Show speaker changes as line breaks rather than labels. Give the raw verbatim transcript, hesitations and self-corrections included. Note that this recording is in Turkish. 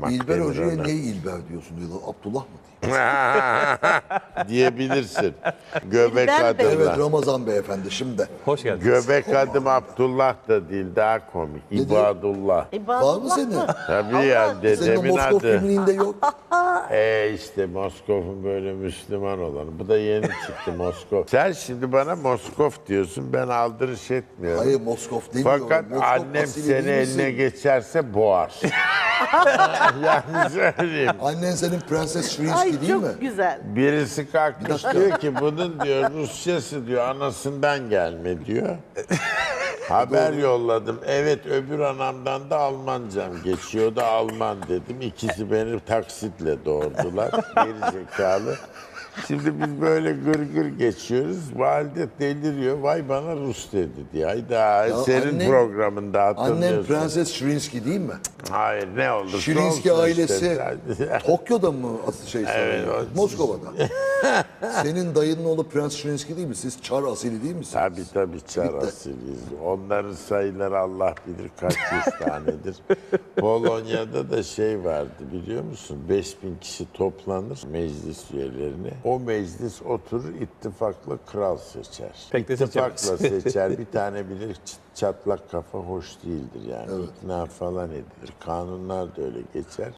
yapmak
İlber
denir
Hoca'ya
ona.
niye İlber diyorsun diyorlar. Abdullah mı diyeyim?
Diyebilirsin. Göbek
İlber Bey.
Evet
adımla.
Ramazan beyefendi şimdi.
Hoş geldiniz.
Göbek adım Abdullah da değil, daha komik. İbadullah.
Var mı senin?
Tabii ya,
Senin o
dedemin
Moskov
adı.
kimliğinde yok.
E işte Moskov'un böyle Müslüman olanı. Bu da yeni çıktı Moskov. Sen şimdi bana Moskov diyorsun, ben aldırış etmiyorum.
Hayır Moskov demiyorum.
Fakat
Moskov
annem
asili
seni
değil misin?
eline geçerse boğar. Yani söyleyeyim.
Annen senin Prenses Shrinsky
Ay
değil
çok
mi?
güzel.
Birisi kalkmış
dakika.
diyor ki bunun diyor Rusçası diyor anasından gelme diyor. Haber yolladım. Evet öbür anamdan da Almancam geçiyor da Alman dedim. İkisi beni taksitle doğurdular. Geri zekalı. Şimdi biz böyle gır gır geçiyoruz. Valide deliriyor. Vay bana Rus dedi diye. Hayda senin
annen-
programında hatırlıyorsun.
Annen Prenses Shrinsky değil mi?
Hayır ne olursa
Shrinsky
olsun
ailesi
işte.
Tokyo'da mı asıl şey
Evet,
sanıyor?
o-
Moskova'da. Senin dayının oğlu Prens Shrinsky değil mi? Siz Çar asili değil misiniz?
Tabii tabii Çar asiliyiz. Onların sayıları Allah bilir kaç yüz tanedir. Polonya'da da şey vardı biliyor musun? beş bin kişi toplanır meclis üyelerini. O meclis oturur ittifakla kral seçer.
Pek de
İttifakla
seçemez.
seçer. Bir tane bilir çıt- çatlak kafa hoş değildir yani. İkna falan edilir. Kanunlar da öyle geçer.